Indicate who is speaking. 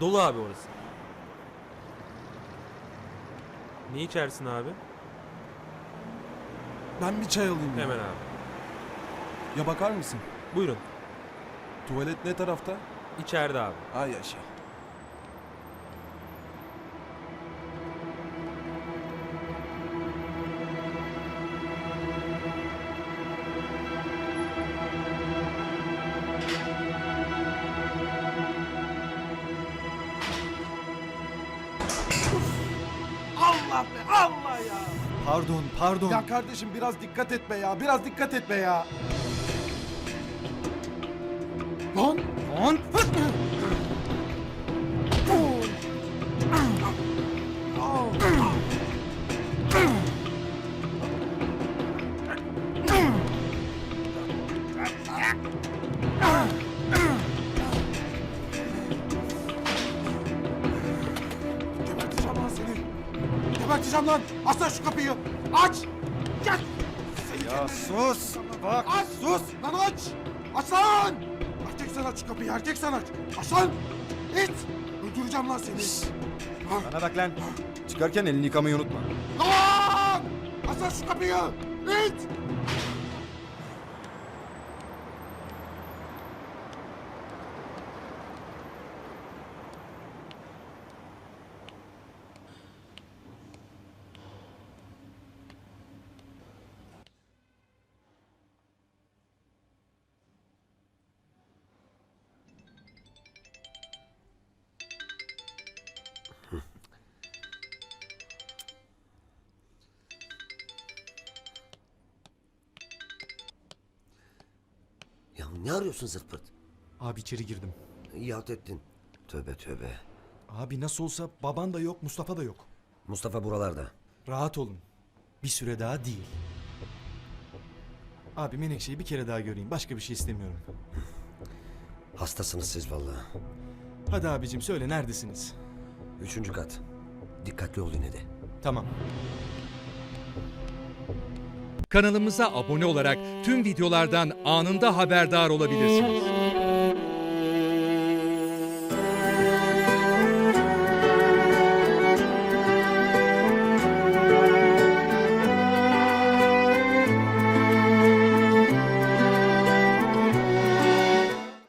Speaker 1: Dolu abi orası. Ne içersin abi?
Speaker 2: Ben bir çay alayım ya.
Speaker 1: Hemen abi.
Speaker 2: Ya bakar mısın?
Speaker 1: Buyurun.
Speaker 2: Tuvalet ne tarafta?
Speaker 1: İçeride abi.
Speaker 2: Ay yaşa. Allah be Allah ya.
Speaker 3: Pardon.
Speaker 2: Ya kardeşim biraz dikkat et be ya. Biraz dikkat et be ya. Lan.
Speaker 3: Lan!
Speaker 2: Geberteceğim lan seni. Geberteceğim lan. Aç lan şu kapıyı. Aç. Gel.
Speaker 3: Ya sus! Bak
Speaker 2: Aç.
Speaker 3: sus!
Speaker 2: Lan aç. Aç lan. Erkek sen aç şu kapıyı. Erkek sen aç. Aç lan. İt. Öldüreceğim lan seni.
Speaker 3: Bana bak lan. Çıkarken elini yıkamayı unutma.
Speaker 2: Lan. Aç lan şu kapıyı. İt.
Speaker 4: Ya ne arıyorsun zırt pırt?
Speaker 5: Abi içeri girdim.
Speaker 4: İyi halt ettin. Tövbe tövbe.
Speaker 5: Abi nasıl olsa baban da yok, Mustafa da yok.
Speaker 4: Mustafa buralarda.
Speaker 5: Rahat olun. Bir süre daha değil. Abi Menekşe'yi bir kere daha göreyim. Başka bir şey istemiyorum.
Speaker 4: Hastasınız siz vallahi.
Speaker 5: Hadi abicim söyle neredesiniz?
Speaker 4: 3. kat. Dikkatli ol yine de.
Speaker 5: Tamam.
Speaker 6: Kanalımıza abone olarak tüm videolardan anında haberdar olabilirsiniz.